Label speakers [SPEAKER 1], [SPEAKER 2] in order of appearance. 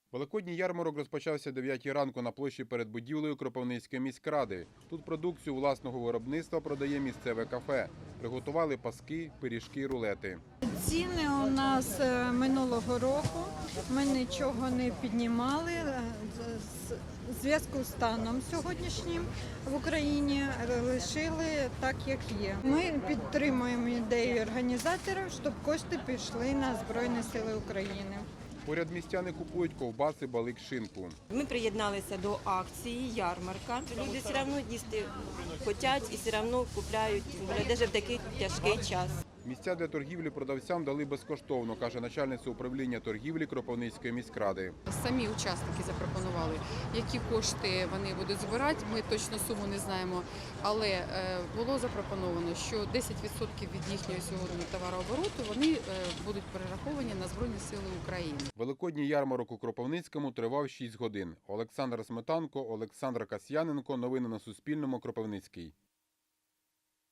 [SPEAKER 1] Великодній ярмарок розпочався о 9 ранку на площі перед будівлею Кропивницької міськради. Тут продукцію власного виробництва продає місцеве кафе. Приготували паски, пиріжки, рулети.
[SPEAKER 2] Ціни у нас минулого року, ми нічого не піднімали. В зв'язку з станом сьогоднішнім в Україні лишили так, як є. Ми підтримуємо ідею організаторів, щоб кошти пішли на Збройні Сили України.
[SPEAKER 1] Поряд містяни купують ковбаси, балик, шинку.
[SPEAKER 3] Ми приєдналися до акції ярмарка. Люди все одно їсти хочуть і все одно купляють, навіть в такий тяжкий час.
[SPEAKER 1] Місця для торгівлі продавцям дали безкоштовно, каже начальниця управління торгівлі Кропивницької міськради.
[SPEAKER 4] Самі учасники запропонували, які кошти вони будуть збирати, ми точно суму не знаємо, але було запропоновано, що 10% від їхнього сьогодні товарообороту вони будуть перераховані на Збройні Сили України.
[SPEAKER 1] Великодній ярмарок у Кропивницькому тривав 6 годин. Олександр Сметанко, Олександр Касьяненко. Новини на Суспільному. Кропивницький.